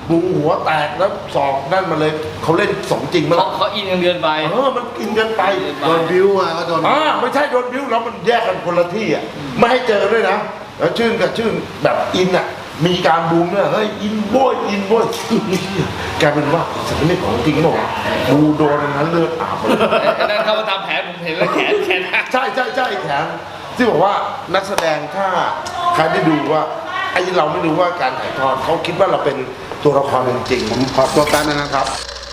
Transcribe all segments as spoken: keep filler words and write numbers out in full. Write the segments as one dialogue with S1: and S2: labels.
S1: บูหัวแตกแล้วศอกนั่นมาเลยเขาเล่นสมจริงมั้ง
S2: เขาเขาอินกันเกินไป
S1: เออมันกินกันไป
S3: โดนบิ้วมาก็โดน
S1: อ่าไม่ใช่โดนบิ้วแล้วมันแยกกันคนละที่อ่ะไม่ให้เจอด้วยนะแล้วชื่นกับชื่นแบบอินอ่ะมีการบูมเนี่ยเฮ้ยอินโบยอินโบยแกเป็นว่าสักนิดของจริงหรอบูโดนนั้นเลือดอาบเลย
S2: นั่นเขามาทำแผลผมเห็นแล้วแขนแขนหัก
S1: ใช่ใช่ใช่แขนที่บอกว่านักแสดงถ้าใครได้ดูว่าไอ้เราไม่รู้ว่าการถ่ายทอดเขาคิดว่าเราเป็นตัวละครจริง
S3: ผมขอตัวแป๊บนึงนะครับ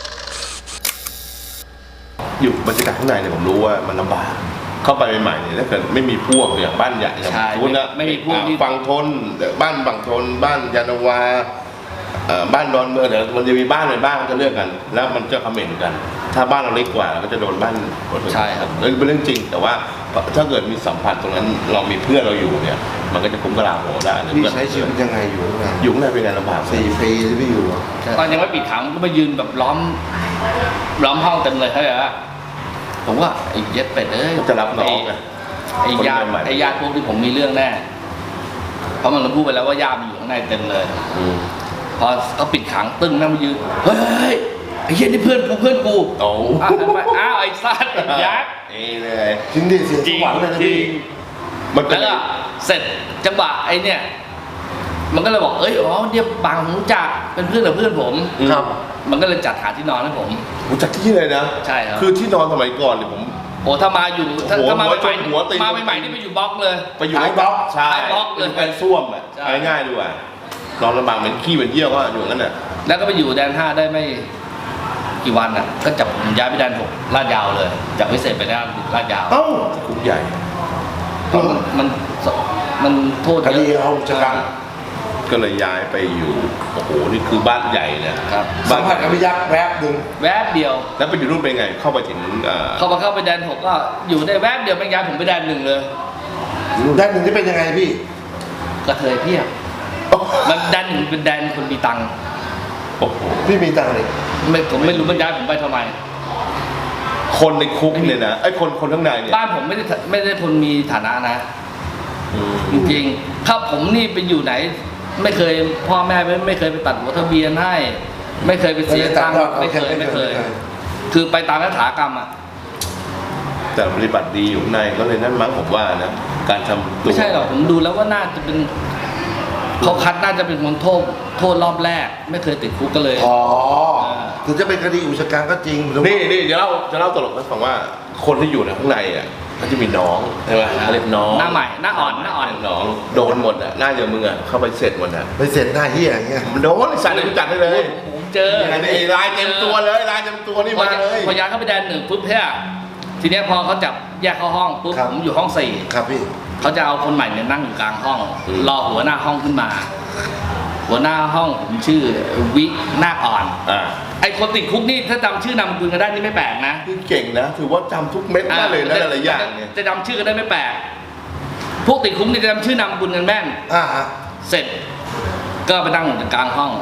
S4: อยู่บรรยากาศข้างในเนี่ยผมรู้ว่ามันลำบากเข้าไปใหม่ๆเนี่ยถ้าเกิดไม่มีพวกเนี่ยบ้านใหญ่อย่าง
S2: ใช่
S4: คุณนะ
S2: ไม่มีพวกที่
S4: ฝั่งทนบ้านฝั่งทนบ้านยานนาวาเอ่อบ้านดอนเมืองเดี๋ยวมันจะมีบ้านในบ้านจะเลือกกัน แล้วมันจะคอมเมนต์กัน ถ้าบ้านเราเล็กกว่าเราก็จะโดนบ้าน
S2: ใช่ครับ
S4: เรื่องเป็นเรื่องจริง แต่ว่าถ้าเกิดมีสัมผัสตรงนั้นเรามีเพื่อนเราอยู่เนี่ย มันก็จะคุ้มกระลาโหได้นะ
S3: พี่ใช้ชีวิตยังไงอยู่ข้างใน
S4: อยู่ข้างในเป็นไงลำบาก
S3: สี่ปีที่พี่อยู่อะ
S2: ตอนยังไม่ปิดขังก็มายืนแบบล้อมล้อมห้องเต็มเลยเขาเลยว่าผมว่าไอ้เย็ดเป็ดเอ้ย
S4: จะรับน้องไง
S2: ไอ้ญาติ
S4: คนใหม่ๆ
S2: ไอ้ญาติพวกที่ผมมีเรื่องแน่เพราะมันพูดไปแล้วว่าญาติมันอยู่ข้างในเต็มเลย
S4: อืม
S2: พอเขาปิดขังตึ้งนั่งมายืนเฮ้ยไอ้เหี้ยนี่เพื่อนกูเพื่อนกู
S4: โอ้
S2: อ้าวทำไมอ้าวไอ้ซัดยักษ์
S4: เอ้เลย
S1: ๆจริงดิเสียสวรรค์เลยนะ
S2: จริ
S1: พี่
S2: ง
S4: มันเป็น
S2: แล้วก็เสร็จจังหวะไอ้เนี่ยมันก็เลยบอกเอ้ยอ๋อเนี่ยบางผมรู้จักเป็นเพื่อนกับเพื่อนผม
S1: ครับ
S2: มันก็เลยจัดหาที่นอนให้ผม
S4: รู้จักที่เลยนะ
S2: ใช่ครับ
S4: คือที่นอนสมัยก่อนเนี่ยผม
S2: โอ้ถ้ามาอยู่ถ้า
S4: หัว
S2: ถ้ามา
S4: หัว
S2: ใหม่
S4: หัวตีน
S2: ๆมาใหม่ๆนี่ไปอยู่บล็อกเลย
S4: ไปอยู่ใน
S1: ท้ายบล็อก
S4: ใช่
S2: ท้ายบล็อกเลย
S4: เป็นส้วมอ่ะ
S2: ใช่
S4: เอาง่ายๆดีกว่านอนลำบากเหมือนขี้เหมือนเยี่ยวก็อยู่งั้นน่ะ
S2: แล้วก็ไปอยู่แดนห้าได้ไม่กี่วันอ่ะ ก็จับผมย้ายไปแดนหกลาดยาวเลย จากวิเศษไปด้านลาดยาว
S1: เอ้า
S4: คุกใหญ่
S2: เพราะมันมันมันโทษ
S1: ค
S2: เย
S1: ดี
S2: อะ
S1: เอาจัดการ
S4: ก็เลยย้ายไปอยู่โอ้โหนี่คือบ้านใหญ่นะครับ
S1: สั
S4: บ้าม น
S1: ผัสกับพี่ยักษ์แวบหนึ่ง
S2: แวบเดียว
S4: แล้วไปอยู่นู่นเป็นไง เข้าไปถึงเอ่อ
S2: เขามาเข้าไปแดนหกก็อยู่ได้แวบเดียวเป็นย้ายผมไปแดนหนึ่งเลย
S1: ด้านหนึ่งที่เป็นยังไงพี่
S2: กระเทยเพียบมันแดนหนึ่งเป็นแดนคนมีตังค์
S4: โอ้โห
S1: พี่มีตังค์เลย
S2: ไม่ผมไม่รู้มันย้ายผมไปทำไม
S4: คนในคุกเนี่ยนะไอ้คนคนข้างในเนี่ย
S2: บ้านผมไม่ได้ไม่ได้คนมีฐานะนะ
S4: อืม
S2: จริงๆถ้าผมนี่ไปอยู่ไหน ไม่เคยพ่อแม่ไม่ไม่เคยไปตัดหัวทะเบียนให้ ไม่เคยไปเสียตังค์ไม่เคยไม่เคย คือไปตามยถากรรมอ่ะ
S4: แต่ปฏิบัติดีอยู่ข้างในก็เลยนั่นมั้งผมว่านะการทำตัว
S2: ไม่ใช่หรอกผมดูแล้วว่าน่าจะเป็นเขาคัดน่าจะเป็นคนโทษโทษรอบแรก ไม่เคยติดคุกก็เลย
S1: อ๋อถึงจะเป็นคดีอุกชะกันก็จริงหรือว่า
S4: นี่นี่จะเล่าจะเล่าตลกให้ฟังว่าคนที่อยู่ในข้างในอ่ะก็จะมีน้องใช่ไหมเขาเรียกน้อง
S2: หน้าใหม่หน้าอ่อนหน้าอ่อน
S4: น้องโดนหมดอ่ะหน้าอย่างมึงอ่ะเข้าไปเสร็จหมดอ่ะ
S1: ไปเสร็จหน้าเฮียอย่างเงี้ย
S4: มันโดนสั่นเลยจัดได้เลย
S2: ผมเจอ
S4: ไอ้ลายเต็มตัวเลยลายเต็มตัวนี่
S2: พอ
S4: มาเลย
S2: พอย้ายเข้าไปแดนหนึ่งปุ๊บเนี่ยทีเนี้ยพอเขาจับแยกเข้าห้องปุ๊บผมอยู่ห้องสี่
S1: ครับพี่
S2: เขาจะเอาคนใหม่เนี่ยนั่งอยู่กลางห้อง รอหัวหน้าห้องขึ้นมา หัวหน้าห้องผมชื่อวิหน้าอ่อน
S4: อ่า
S2: ไอคนติดคุกนี่ถ้าจำชื่อนามสกุลกันได้นี่ไม่แปลกนะ
S4: คือเก่งนะถือว่าจำทุกเม็ดได้เลยนะหลายๆอย่างเนี่ย
S2: จะจำชื่อกันได้ไม่แปลกพวกติดคุกนี่จะจำชื่อนามสกุลกันแม่น
S1: อ่าฮะ
S2: เสร็จก็ไปนั่งอยู่กลางห้อง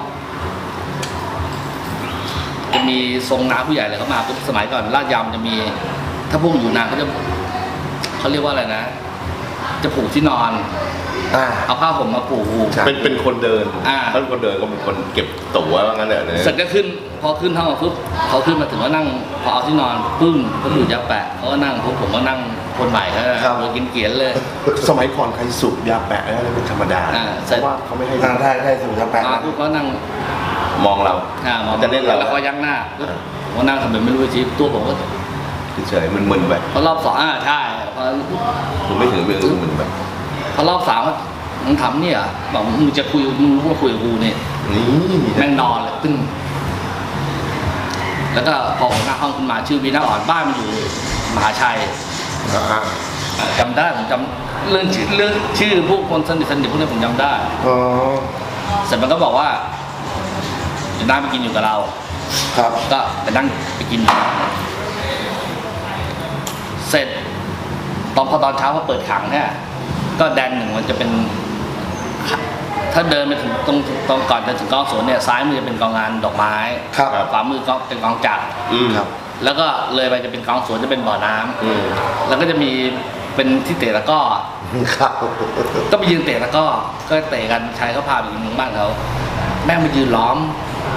S2: จะมีทรงน้าผู้ใหญ่เลยเขามาปุ๊บสมัยก่อนลาดยำจะมี ถ้าพวกอยู่นานเขาจะเขาเรียกว่าอะไรนะ จะผูกที่นอน
S1: อ่า
S2: เอาผ้าห่มมาผูก
S1: ใช่
S4: เป็นเป็นคนเดิน
S2: อ่า
S4: ถ้าเป็นคนเดินก็เป็นคนเก็บตั๋วว่างั้นแหละเนี่ย
S2: เสร็จก็ขึ้น พอขึ้นห้องปุ๊บเขาขึ้นมาถึงก็นั่งพอเอาที่นอนปึ้งเขาดูดยาแปะเขาก็นั่งปุ๊บผมก็นั่งคนใหม่เขาหัวกินเกียนเลย
S4: สมัยก่อนใครสูบยาแปะอะไรเป็นธรรมดา
S2: อ่า
S4: เพราะว่าเขาไม่ให้
S1: อ่าได้ได้สูตรจะแปะ
S2: มาปุ๊บเขานั่ง
S4: มองเรา
S2: อ่ามอง
S4: จะเล่นเรา
S2: แล้วก็ยักหน้าปุ๊บผมก็นั่งทำเป็นไม่รู้ชีพตัวผมก็
S4: เฉยๆมึนๆไป
S2: พอรอบสองอ่าใช่พอ
S4: มึงไม่ถึงเรื่องมึนไป
S2: พอรอบสามว่ามึงทำเนี่ยเหรอบอกมึงจะคุยมึงรู้ว่าคุยกับกูเนี่ย
S4: นี่
S2: แม่งนอนเลยตึ้งแล้วก็พอผมหน้าห้องขึ้นมาชื่อวีน่าอ่อนบ้านมันอยู่มหาชัย
S1: อ่า
S2: อ่าจำได้ผมจำเรื่องชื่อเรื่องชื่อพวกคนสนิทสนิทพวกนี้ผมจำได้
S1: อ๋อ
S2: เสร็จมันก็บอกว่าจะนั่งไปกินอยู่กับเรา
S1: ครับ
S2: ก็ไปนั่งไปกินอยู่เสร็จตอนพอตอนเช้าพอเปิดขังเนี่ยก็แดนหนึ่งมันจะเป็น ถ้าเดินไปถึงตรงตรงก่อนจะถึงกองสวนเนี่ยซ้ายมือจะเป็นกองงานดอกไม้
S1: ครับ
S2: ขวามือก็เป็นกองจักร
S4: อืม
S1: ครับ
S2: แล้วก็เลยไปจะเป็นกองสวนจะเป็นบ่อน้ำ
S4: อืม
S2: แล้วก็จะมีเป็นที่เตะตะกร้อ
S1: ครับ
S2: ก็ไปยืนเตะตะกร้อก็เตะกันชายเขาพาไปยิงบ้านเขาแม่งมายืนล้อม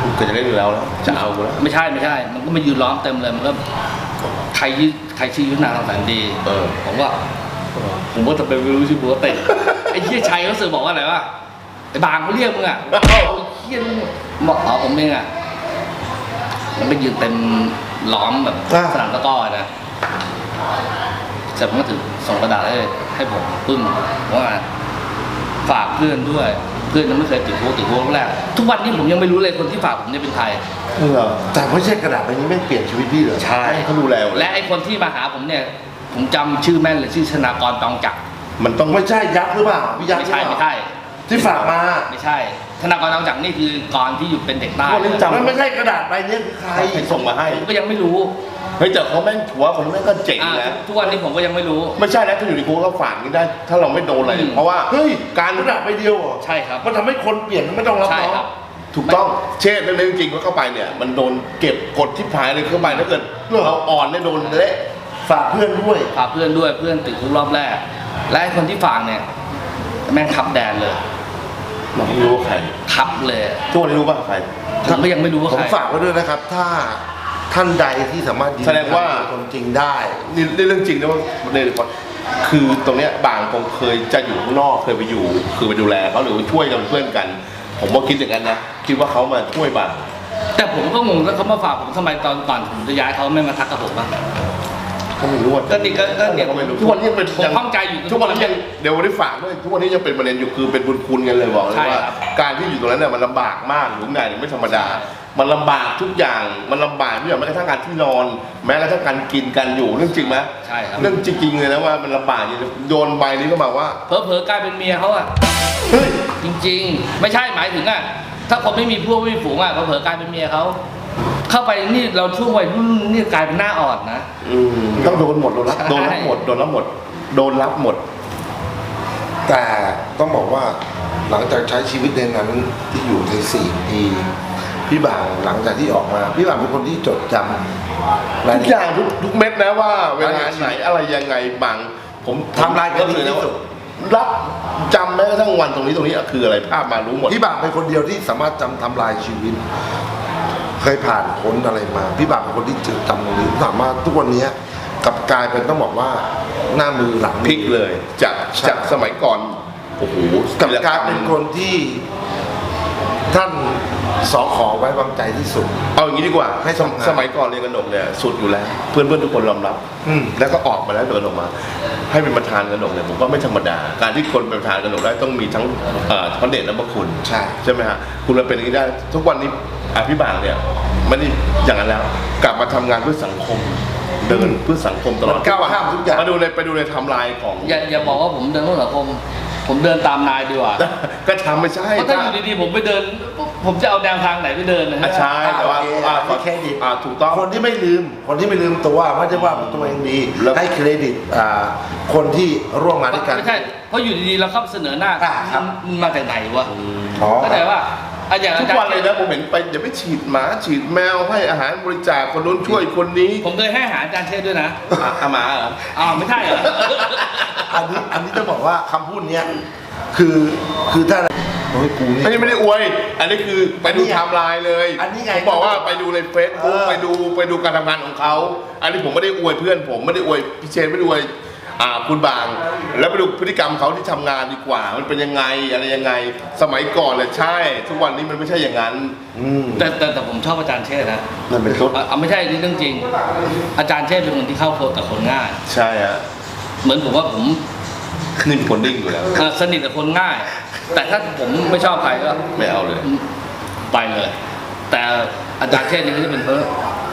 S4: ก็จะเล่นอยู่แล้วแล้วจะเอากูแล้ว
S2: ไม่ใช่ไม่ใช่ มันก็มายืนล้อมเต็มเลยมันก็ใครยืใครชื่อยุทธนาทองแสนดี
S4: เออ
S2: ผมว่าผมว่าจะไปรู้ชื่อบัวเตะไอ้เหี้ยชัยเขาสื่อบอกว่าอะไรวะไอ้บางเขาเรียกมึงอ่ะไอ้เหี้ยมึงบอกอ๋อผมเองอ่ะมันไปยืนเต็มล้อมแบบสนามตะกร้อนะเสร็จผมก็ถือส่งกระดาษให้ให้ผมปึ้งว่าฝากเพื่อนด้วยเพื่อนยังไม่เคยติดคุกติดคุกแรกทุกวันนี้ผมยังไม่รู้เลยคนที่ฝากผมเนี่ยเป็นใคร
S1: เหรอแต่ไม่ใช่กระดาษใบนี้ไม่เปลี่ยนชีวิตพี่เหรอ
S2: ใช่
S4: เขาดูแลหมด
S2: และไอ้คนที่มาหาผมเนี่ยผมจำชื่อแม่นเลยชื่อชนากรตองจักร
S4: มันต้อง
S1: ไม่ใช่ยักษ์หรือเปล่าพี่ยักษ์
S2: ไม่ใช่
S1: หรือ
S2: ไม่
S1: เปล่า
S2: ใช่
S1: ที่ฝากมา
S2: ไม่ใช่ธนากรตองจักรนี่คือกรที่อยู่เป็นเด็กใต้
S4: คนนี้จำ
S1: มันไม่ใช่กระดาษใบนี้คือใคร
S4: ใครส่งมาให้
S2: ผมก็ยังไม่รู้
S4: เฮ้ยแต่เขาแม่งถือว่าคนแม่งก็เจ๋ง
S2: อ่า
S4: นะ
S2: ทุกวันนี้ผมก็ยังไม่รู้
S4: ไม่ใช่นะถ้าอยู่ในคุกก็ฝากนี่ได้ ถ้าเราไม่โดนอะไร
S2: อืม
S4: เพราะว่า
S1: เฮ้ย
S4: การ
S1: กระดาษใบเดียวเหรอ
S2: ใช่ครับ
S1: มันทำให้คนเปลี่ยนไม่ต้องรับ
S2: ใช่
S1: น้อง
S2: ครับ
S4: ถูกต้องเช่นเรื่องจริงๆว่าเข้าไปเนี่ย มันโดนเก็บกดที่ผายเลยเข้าไปถ้าเกิดเราอ่อนเนี่ยโดนเละ
S1: ฝากเพื่อนด้วย
S2: ฝากเพื่อนด้วยเพื่อนติดคุกรอบแรก และไอ้คนที่ฝากเนี่ยแม่งทับแดนเลย
S4: เราไม่รู้ว่าใคร
S2: ทับเลย
S4: ทุกวันนี้รู้ป่ะใคร
S2: ผมก็ยังไม่รู้ว่า
S1: ผ
S2: ใค
S1: ม
S2: ร
S1: ฝากไว้ด้วยนะครับ ถ้าท่านใดที่สามารถยืน
S4: แสดงว่า
S1: ยันคนจริงได้
S4: นี่นี่เรื่องจริงนะว่าในคือตรงเนี้ยบางคงเคยจะอยู่ข้างนอกเคยไปอยู่ คือไปดูแลเขาหรือช่วยกันเป็นเพื่อนกัน ผมว่าคิดอย่างนั้นนะคิดว่าเขามาช่วยบาง
S2: แต่ผมก็งงแล้วเขามาฝากผมทำไมตอนก่อนผมจะย้ายเขาไม่มาทักกับผมบ้าง
S4: ก็ไม่รู้ว่า
S2: ก็นี่ก็ก็เนี่ย
S4: ก็ไม่รู้ทุกวันนี้ยังเป็น
S2: ผมข้องใจอยู่
S4: ทุกวันนี้ยังเดี๋ยววันนี้ฝากด้วยทุกวันนี้ยังเป็นประเด็นอยู่คือเป็นบุญคุณกันเลยบอกเลย
S2: ใช่
S4: ว่า
S2: ครับ
S4: การที่อยู่ตรงนั้นเนี่ยมันลำบากมากอยู่ข้างในเนี่ยไม่ธรรมดา มันลำบากทุกอย่างมันลำบากทุกอย่างแม้กระทั่งการที่นอน แม้กระทั่งการกินกันอยู่เรื่องจริงไหม
S2: ใช่ครับ
S4: เรื่องจริงๆเลยนะว่ามันลำบากจริงโดนใบนี้ก็มาว่า
S2: เผลอๆกลายเป็นเมียเขาอะ
S1: เฮ้ย
S2: จริงๆ ไม่ใช่หมายถึงอ่ะถ้าคนไม่มีพวกไม่มีฝูงอ่ะเผลอๆกลายเป็นเมียเขาเข้าไปนี่เราช่วงวัยรุ่นนี่กลายเป็นหน้าอ่อนนะ
S4: อืมต้องโดนหมดโดนรับ
S2: ใช่
S4: โดนรับหมดโดนรับหมดโดนรับหมด
S1: แต่ต้องบอกว่าหลังจากใช้ชีวิตในนั้นที่อยู่ในสี่ปีพี่บ่าวหลังจากที่ออกมา พี่บ่าวเป็นคนที่จดจำราย
S4: ทุก
S1: ละ
S4: อ
S1: เอีย
S4: ย่า
S1: ด
S4: งทุกทุกเม็ดนะว่าเวลาไหนอะไรยังไงบางผม
S1: ทำลายคดีที่สุด
S4: รับจำแม้กระทั่งวันตรงนี้ตรงนี้อะคืออะไรภาพมารู้หมด
S1: พี่บ่าวเป็นคนเดียวที่สามารถจำทำลายชีวิต เคยผ่านพ้นอะไรมา พี่บ่าวเป็นคนที่จดจำตรงนี้สามารถทุกวันนี้กลับกลายเป็นต้องบอกว่าหน้ามือหลัง
S4: พลิกเลยจาก
S1: ใช่
S4: จากสมัยก่อนโอ้โห
S1: กลับกลายเป็นคนที่ท่านสอขอไว้วางใจที่สุด
S4: เอาอย่างนี้ดีกว่า
S1: ให้ทำงาน
S4: สมัยก่อนเรียนกระหนกเนี่ยสุดอยู่แล้ว เพื่อนเพื่อนๆทุกคนยอมรับ
S1: อืม
S4: แล้วก็ออกมาแล้วเดินออกมา ให้เป็นประธานกระหนกเนี่ยผมว่าไม่ธรรมดา การที่คนเป็นประธานกระหนกได้ต้องมีทั้งเอ่อพระเดชและพระคุณ
S1: ใช่
S4: ใช่ไหมฮะคุณมาเป็นอย่างนี้ได้ทุกวันนี้อภิบาลเนี่ยไม่ได้อย่างนั้นแล้ว กลับมาทำงานเพื่อสังคม เดินเพื่อสังคมตลอด
S1: มันก้าวข้ามทุกอย่าง
S4: มาดูในไปดูในไทม์ไลน์ของ
S2: อย่าอย่าบอกว่าผมเดินเพื่อสังคมผมเดินตามนายดีกว่า
S4: ก็ทำไม่ใช่
S2: เพราะถ้าอยู่ดีๆผมไปเดิน ผมจะเอาแนวทางไหนไปเดินนะ
S4: อ่ะ
S2: ฮะ
S4: ใช่แต่ว่า
S1: โอเค
S4: อ่า
S1: ให้เครดิต
S4: อ่าถูกต้อง
S1: คนที่ไม่ลืม คนที่ไม่ลืมตัวไม่ใช่ว่าตัวเองดี
S4: แล้ว
S1: ให้เครดิตอ่าคนที่ร่วมงานด้วยกัน
S2: ไม่ใช่เพราะอยู่ดีๆเราเข้าเสนอหน้า
S1: อ่าครับ
S2: มึงมาจากไหนวะ
S1: อ๋อ
S2: เข้าใจว่าอ่ะอย่าง
S4: ทุ
S2: อาก จาร
S4: วัน
S2: ย์
S4: เลยนะผมเห็นไปอย่าไปฉีดหมาฉีดแมวให้อาหารบริจาคคนนู้นช่วยคนนี้
S2: ผมเคยให้อาหารอาจารย์เชษฐ์ด้วยนะ
S4: อ่ะอาหมาเหรอ
S2: อ้าวไม่ใช่เหรอ
S1: อันนี้อันนี้ต้องบอกว่าคำพูดเนี้ยคือคือถ้าโอ้ยกูนี่
S4: อันนี้ไม่ได้อวย อันนี้คือไปดูไทม์ไลน์เลย
S1: อันนี้ไง
S4: ผมบอกว่าไปดูในเฟซบุ๊ก
S1: เออ
S4: ไปดูไปดูการทำงานของเขา อันนี้ผมไม่ได้อวยเพื่อนผมไม่ได้อวยพี่เชนไม่ได้อวยอ่าคุณบาง แล้วไปดูพฤติกรรมเขาที่ทำงานดีกว่า มันเป็นยังไงอะไรยังไง สมัยก่อนเลยใช่ ทุกวันนี้มันไม่ใช่อย่างนั้น
S1: อืม
S2: แต่แต่แต่ผมชอบอาจารย์เชษฐ์นะ
S1: นั่นเป็นต้น
S2: อ่ะอ่ะไม่ใช่นี่เรื่องจริง อาจารย์เชษฐ์เป็นคนที่เข้าโคกับคนง่าย
S4: ใช่ฮะ
S2: เหมือนผมว่าผม
S4: นี่เป็นคนนิ่งอยู่แล้ว
S2: เอ่อสนิทกับคนง่าย แต่ถ้าผมไม่ชอบใครก็
S4: ไม่เอาเลย
S2: ไปเลย แต่อาจารย์เชษฐ์นี่ก็จะเป็นเพิ่ม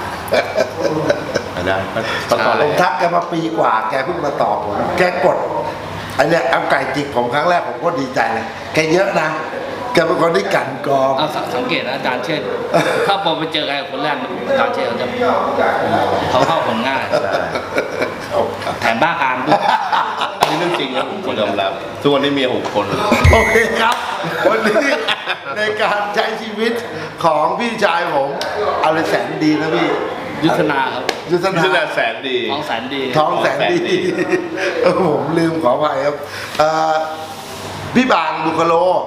S4: อ่ะได้ตอนตอน
S1: ผ
S4: แร
S1: ม
S4: ก
S1: ทักแกมาปีกว่า แกเพิ่งมาตอบผม แกกดอันเนี้ยเอาไก่จิกผมครั้งแรกผมก็ดีใจเลย แกเยอะนะ แกเป็นคนที่กลั่นกรอง
S2: เอาสังสังเกตนะอาจารย์เชษฐ์ถ้าพอไปเจอใครคนแรกอาจารย์เชษฐ์เขาจะเขาเข้าคนง่าย แถมบ้าการด้วย
S4: อันนี้เรื่องจริงนะผมคนยอมรับทุกวันนี้เมียหกคน
S1: โอเคครับ วันนี้ในการใช้ชีวิตของพี่ชายผมอะไรแสนดีนะพี่
S2: ยุทธนาครับ
S1: ยุทธ
S4: นี่
S1: นา
S4: แหละแสนดี
S2: ท้องแสนดี
S1: ท้องแสนดีเออผมลืมขออภัยครับเอ่อพี่บางบุคโล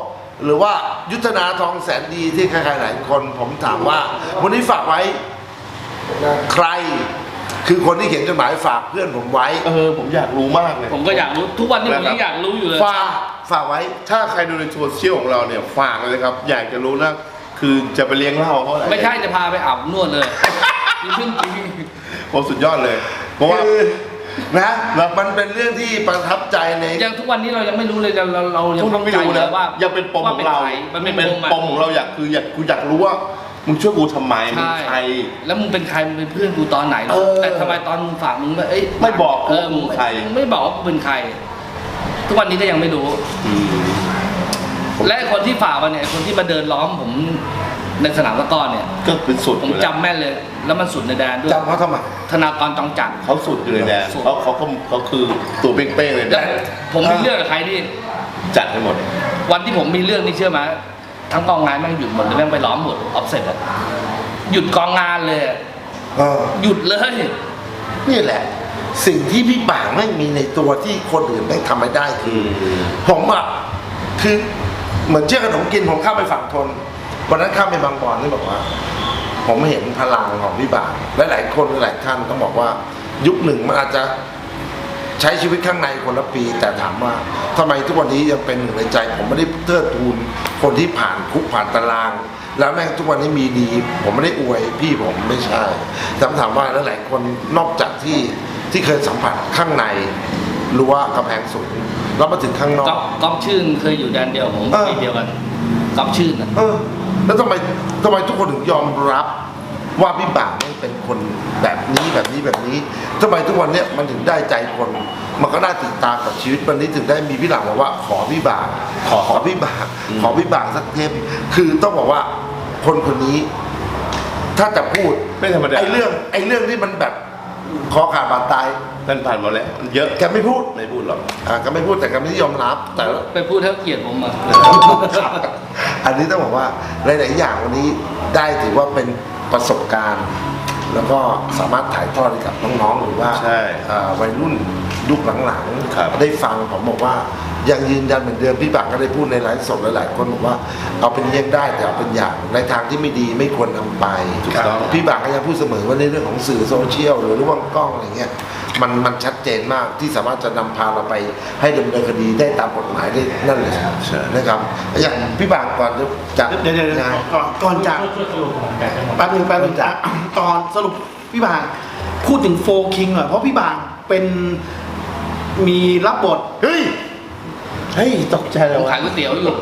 S1: หรือว่ายุทธนาทองแสนดีที่ใครๆหลายคนผมถามว่า วันนี้ฝากไว้ใคร คือคนที่เขียนจดหมายฝากเพื่อนผมไว้
S4: เออผมอยากรู้มากเลย
S2: ผมก็อยากรู้ทุกวันนี้ผมยังอยากรู้อยู่เลย
S1: ฝากฝากไว้
S4: ถ้าใครดูในโซเชียลของเราเนี่ยฝากเลยครับ อยากจะรู้นะคือจะไปเลี้ยงเหล้าเขาอะไร
S2: ไม่ใช่จะพาไปอาบนวดเลยนี่เรื่องจริง
S4: โอ้สุดยอดเลย เพราะว่า
S1: คือนะมันเป็นเรื่องที่ประทับใจใน
S2: ยังทุกวันนี้เรายังไม่รู้เลยเราเราเรายัง
S4: ทุกคนไม่รู้
S2: เล
S4: นะ
S2: ยว่า
S4: ยังเป็นปม
S2: ว่า
S4: ของเรา
S2: ใคมันเป็น
S4: เป็น
S2: ปมอะ
S4: ปมของเราอยากคืออยากกูอยากรู้ว่ามึงช่วยกูทำไมมึง
S2: ใช่
S4: ใคร
S2: แล้วมึงเป็นใครมึงเป็นเพื่อนกูตอนไหน
S4: เออ
S2: แต่ทำไมตอนมึงฝากมึงไม่เอ้ย
S4: ไม่บอกกู
S2: เออ
S4: ว่ามึงใคร
S2: มึงไม่บอกว่ากูเป็นใคร ทุกวันนี้ก็ยังไม่รู้
S4: อืม
S2: และไอ้คนที่ฝากมาเนี่ยไอ้คนที่มาเดินล้อมผมในสนามตะกร้อเนี่ย
S4: ก็เป็นสุด
S2: ผม
S4: อยู่แล้ว
S2: จำแม่นเลย แล้วมันสุดในแดนด้วย
S1: จำเขาทำไม
S2: ธนากรจองจักร
S4: เขาสุดอยู่เลยแดน
S2: สุด
S4: เขาเขาเขาเขาคือตัวเป้งๆเลย
S2: แล้ว
S4: แดน
S2: ผมมีเรื่องกับใครที่
S4: จัดให้หมด
S2: วันที่ผมมีเรื่องนี่เชื่อไหมทั้งกองงานแม่งหยุดหมดเลยแม่งไปล้อมหมดออฟเซ็ตอะหยุดกองงานเลยอะ
S1: เออ
S2: หยุดเลย
S1: นี่แหละ สิ่งที่พี่บ่างไม่มีในตัวที่คนอื่นไม่ทำไม่ได้คือ ผมอ่ะคือเหมือนเชื่อขนมกินผมข้ามไปฝั่งทนวันนั้นข้ามไปบางบอนนี่บอกว่า ผมเห็นพลังของพี่บ่างและหลายคนหลายท่านต้องบอกว่า ยุคหนึ่งมันอาจจะใช้ชีวิตข้างในคนละปี แต่ถามว่าทำไมทุกวันนี้ยังเป็นหนึ่งในใจ ผมไม่ได้เทิดทูนคนที่ผ่านคุกผ่านตาราง แล้วแม่งทุกวันนี้มีดี ผมไม่ได้อวยพี่ผมไม่ใช่แต่ถามว่าหลายๆคนนอกจากที่ที่เคยสัมผัสข้างในรั้วกำแพงสูงแล้วมาถึงข้างนอก
S2: ก๊อฟก๊อฟชื่นเคยอยู่แดนเดียวผม
S1: เออ
S2: ปีเดียวกันก๊อฟชื่นอะ
S1: เออแล้วทำไมทำไมทุกคนถึงยอมรับว่าพี่บ่างไม่เป็นคนแบบนี้แบบนี้แบบนี้ทำไมทุกวันเนี้ยมันถึงได้ใจคน มันก็น่าติดตามกับชีวิตวันนี้ถึงได้มีพี่หลังบอกว่าขอพี่บ่างขอขอพี่บ่างขอพี่บ่างสักเทปคือต้องบอกว่าคนคนนี้ ถ้าจะพูด
S4: ไม่ธรรมดา
S1: ไอ้เรื่องไอ้เรื่องที่มันแบบคอขาดบาดตาย
S4: นั่นผ่านมาแล้วมันเยอะ
S1: แกไม่พูด
S4: ไม่พูดหรอก
S1: อ่าแกไม่พูดแต่แกไม่ยอมรับแต่
S2: ไปพูดเท่าเกลียดผมอะ
S1: อันนี้ต้องบอกว่าหลายๆอย่างวันนี้ได้ถือว่าเป็นประสบการณ์ แล้วก็สามารถถ่ายทอดให้กับน้องๆหรือว่า
S4: ใช่
S1: อ่าวัยรุ่นยุคหลัง
S4: ครับ
S1: ๆได้ฟังผมบอกว่ายังยืนยันเหมือนเดิมพี่บักก็ได้พูดในไลฟ์สดหลายๆคนบอกว่าเอาเป็นเยี่ยงได้แต่เอาเป็นอย่างในทางที่ไม่ดีไม่ควรนำไป
S4: ถูกต้อง
S1: พี่บักก็ยังพูดเสมอว่าในเรื่องของสื่อโซเชียลหรือว่ากล้องอะไรเงี้ยมันมันชัดเจนมากที่สามารถจะนำพาเราไปให้ดำเนินคดีได้ตามกฎหมายได้นั่นเลยนะครับอย่างพี่บักก่อนจะจะ
S5: เดี๋ยวเดี๋ยวเดี๋ยว
S1: งาน
S5: ก่อนก่อนจากแป๊บนึงแป๊บนึงจากก่อนสรุปพี่บางพูดถึงโฟคิงหน่อยเพราะพี่บางเป็นมีรับบท
S1: เฮ้ย
S4: เฮ้ยตกใจเล
S2: ผ
S4: ย
S2: ม
S4: วะ
S2: ขายก๋วยเตี๋ยวอยู่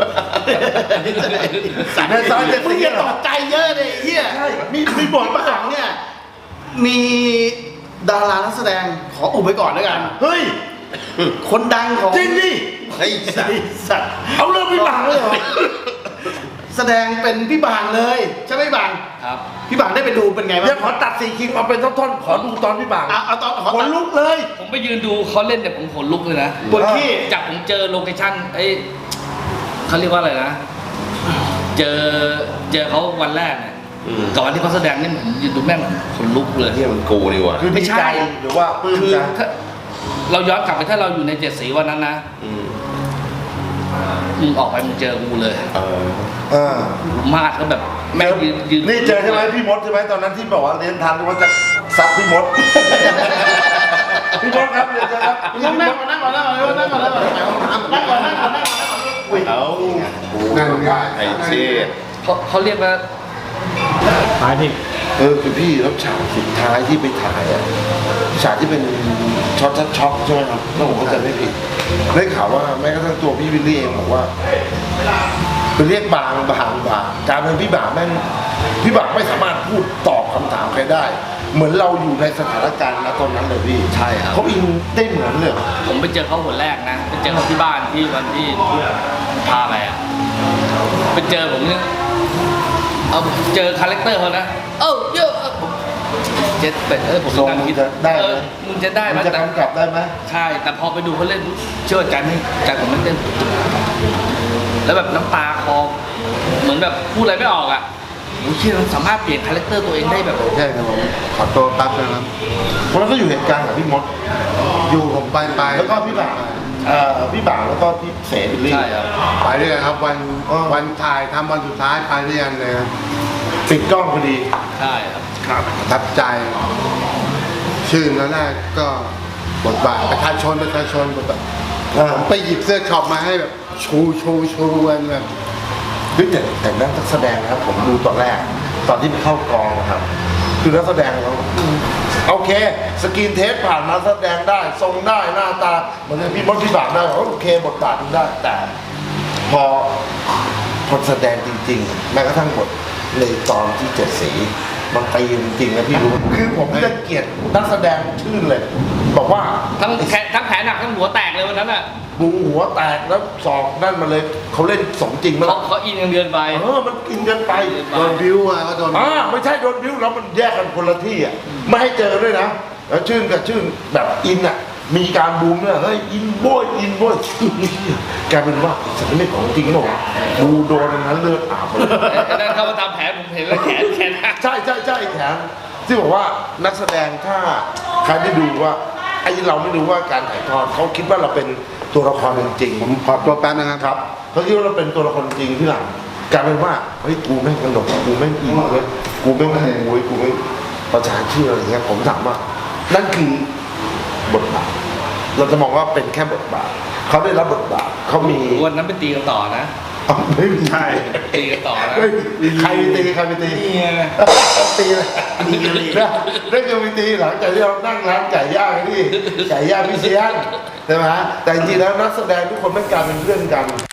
S1: ในซอยเจ็ด
S5: มึ
S1: สิ
S5: ง
S1: บ
S5: อย่าตกใจเยอะเลยไอ้เฮีย
S1: ใช่
S5: มีมีบทมาหลังเนี่ย มีดารานักแสดงขออุบไว้ก่อนแล้วกัน
S1: เฮ้ย
S5: คนดังของ
S1: จริงดิ
S4: เฮ้ยสัตว์
S5: สัตว์
S1: เอาเรื่องพี่บังเลยเหรอ
S5: แสดงเป็นพี่บางเลยใช่ไหมพี่บาง
S2: ครับ
S5: พี่บางได้ไปดูเป็นไงบ้า
S1: เดี๋ยว
S5: ง
S1: ขอตัดสี่คิงเอาเป็นท่อนๆขอดูตอนพี่บัง
S5: เอาเอาตอนขอ
S1: ขนลุกเลย
S2: ผมไปยืนดูเขาเล่นเนี่ยผมขนลุกเลยนะ
S5: บนที่
S2: จากผมเจอโลเคชั่นเอ้ยเขาเรียกว่าอะไรนะ เจอเจอเขาวันแรกเนี่ย
S4: อืม
S2: กับวันที่เขาแสดงนี่ผมยืนดูแม่งขนลุกเลย
S4: เฮียมันกูนี่หว่ะ
S1: คือ
S2: ไม่
S1: ดี
S2: ใช่
S1: ใจหรือว่าปลื้ม
S2: คือ
S1: ใจ
S2: ถ้าเราย้อนกลับไปถ้าเราอยู่ในเจ็ดสีวันนั้นนะ
S4: อืม
S2: มึงออกไปมึงเจอกูเลย
S4: เออ
S1: เออ
S2: มาดก็แบบแม่งยืนยืน
S1: นี่เจอใช่ไหมพี่มดใช่ไหมตอนนั้นที่บอกว่าเรียนทันว่าจะซัดพี่มด พี่มดครับเรียนเจอครับ
S5: นั่งนั่งก่อนนั่งก่อนนั่งก่อนนั่งก่อนนั่งก่อนนั่งก่อนนั่งก่อนนั่งก่อนนั่งก่อน
S4: เอา
S1: นั่นง่าย
S4: ไอ้เช่
S2: เขาเขาเรียกว่า
S1: เออคือพี่แล้วฉากสุดท้ายที่ไปถ่ายอะฉากที่เป็นช็อตช็อตใช่ไหมครับถ้าผมเข้าใจไม่ผิดได้ข่าวว่าแม้กระทั่งตัวพี่วิลลี่เองบอกว่าไปเรียกบางบางบางการเป็นพี่บางแม่งพี่บางไม่สามารถพูดตอบคำถามใครได้ เหมือนเราอยู่ในสถานการณ์ณตอนนั้นเลยพี่
S2: ใช่ครับ
S1: เขาอินได้เหมือนเลย
S2: ผมไปเจอเขาคนแรกนะไปเจอเขาที่บ้านที่วันที่พาไปอ่ะไปเจอผมเนี่ยเอาเจอคาแรคเตอร์เขานะเอ้าเยอะเจ็ดเป็ดเออผม
S1: ทรง
S2: กำลัง
S1: มึ
S2: คิ
S1: ง
S2: ด
S1: จะได้ไห
S2: เอ
S1: ม
S2: อมึงจะได้ไหม
S1: มึงจะ
S2: แต่
S1: กำกับได้ไหม
S2: ใช่ แต่พอไปดูเขาเล่นเชื่อใจไม่ใจผมไม่เต้นแล้วแบบน้ำตาคลอเหมือนแบบพูดอะไรไม่ออกอ่ะโอ้ยเชื่อสามารถเปลี่ยนคาแรคเตอร์ตัวเองได้แบบ
S3: ใช่ครับผมขอตัวแป๊บนะครับ
S1: เพราะนั้นก็อยู่เหตุการณ์กับพี่มด
S3: อยู่ผมไปไป
S1: แล้วก็พี่บางเอ่อพี่บ่าวแล้วก็พี่เสรีบิลลี่
S2: ใช่ครับ
S3: ไปด้วยกันครับวัน
S1: อ๋อ
S3: วันถ่ายทำวันสุดท้ายไปด้วยกันเลยครับ
S1: ปิดกล้องพอดี
S2: ใช่ครับ
S1: ครับ
S3: ประทับใจ ชื่อแล้วแรกก็บทบาทประชาชนประชาชนบทบาท
S1: อ่า
S3: ผมไปหยิบเสื้อช็อปมาให้แบบชูชูชูกันแบบ
S1: เฮ้ยแต่แต่นักแสดงนะครับ ผมดูตอนแรก ตอนที่ไปเข้ากองนะครับ คือนักแสดงเราอืมโอเค สกรีนเทสผ่านมาแสดงได้ ทรงได้หน้าตาเหมือนพี่มดพี่บ่าวได้โอเคบทบาทมันได้ แต่ พอพอแสดงจริงๆแม้กระทั่งบทในตอนที่เจ็ดสีมันตีจริงๆนะพี่รู้คือผมจะเกลียดนักแสดงชื่นเลย บอกว่า
S2: ทั้งแขนทั้งแผลหนักทั้งหัวแตกเลยวันนั้นอ่ะ
S1: บูหัวแตกแล้วศอกนั่นมาเลยเขาเล่นสมจริงมา
S2: เขา
S1: แล้ว
S2: เขาอินกันเกินไป
S1: เออมันกินกันไป
S3: โดนบิ้วมาก็โดน
S1: อ่าไม่ใช่โดนบิ้วแล้วมันแยกกันคนละที่อ่ะไม่ให้เจอด้วยนะแล้วชื่นกับชื่นแบบอินอ่ะมีการบูมเนี่ยเฮ้ยอินโบยอินโบยกลายเป็นว่าฉันไม่ของจริงหรอกบูโดนอันนั้นเลือดอาบเลย
S2: ไอ้นั่นเข้ามาตามแผลผมเห็นแล้วแขนแขนหัก
S1: ใช่ใช่ใช่แขนที่บอกว่านักแสดงถ้าใครได้ดูว่าไอ้เราไม่รู้ว่าการถ่ายทอดเขาคิดว่าเราเป็นตัวละครจริง
S3: ผมขอตัวแป๊บนะครับ
S1: ครับเขาคิดว่าเราเป็นตัวละครจริงที่หลังกลายเป็นว่าเฮ้ยกูแม่งกระโดดกูแม่งอินเว้ยกูแม่งโวยกูแม่งประชาชื่ออะไรเงี้ยผมถามว่านั่นคือบทบาทเราจะมองว่าเป็นแค่บทบาทเขาได้รับบทบาทเขามี
S2: วันนั้นไปตีกันต่อนะ
S1: อ๋อไม่ใช่
S2: ตีกันต่อนะ
S1: เฮ้ยใครไปตีใครไปตี
S2: นี่ไง
S1: ตีเลยตีเลยนะนั่นคือวิธีหลังจากที่เรานั่งร้านไก่ย่างที่ไก่ย่างพิเศษใช่ไหมแต่จริงๆแล้วนักแสดงทุกคนไม่กลายเป็นเพื่อนกัน